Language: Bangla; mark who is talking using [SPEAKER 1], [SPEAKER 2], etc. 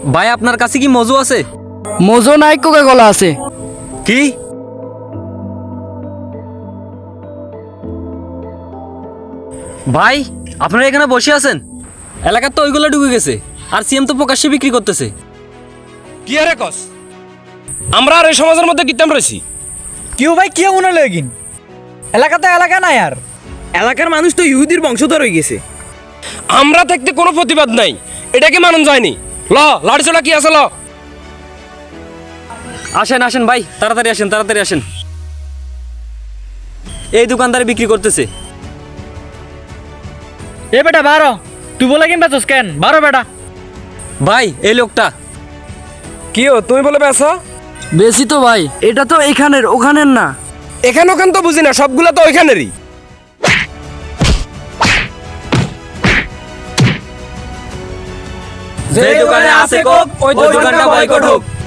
[SPEAKER 1] ভাই আপনার কাছে কি মজু আছে?
[SPEAKER 2] মজো নাই, কোকা কোলা আছে।
[SPEAKER 1] কি? ভাই আপনারা এখানে বসে আছেন, এলাকার তো ওইগুলো ঢুকে গেছে, আর সিএম তো প্রকাশ্যে বিক্রি করতেছে।
[SPEAKER 3] কি আরে কস? আমরা আর এই সমাজের মধ্যে কিতাম রয়েছি।
[SPEAKER 4] কেউ ভাই কেউ মনে লগিন এলাকা তো এলাকা নাই, আর এলাকার মানুষ তো ইহুদির বংশধর হয়ে গেছে।
[SPEAKER 3] আমরা থাকতে কোনো প্রতিবাদ নাই, এটাকে মানন যায়নি। ল লাড়ি চলা কি আছে ল।
[SPEAKER 1] আসেন আসেন ভাই, তাড়াতাড়ি আসেন, তাড়াতাড়ি আসেন। এই দোকানদারে বিক্রি করতেছে।
[SPEAKER 4] এ বেটা বারো, তুই বলে কিনবা তোস কেন? বারো বেটা।
[SPEAKER 1] ভাই এই লোকটা।
[SPEAKER 3] কি ও তুমি বলে বেসা?
[SPEAKER 2] বেশি তো ভাই, এটা তো এখানের ওখানের না।
[SPEAKER 3] এখান ওখান তো বুঝি না, সবগুলা তো ওইখানেরই।
[SPEAKER 1] যে দোকানে আছে কোক ওই দোকানটা বয়কট হোক।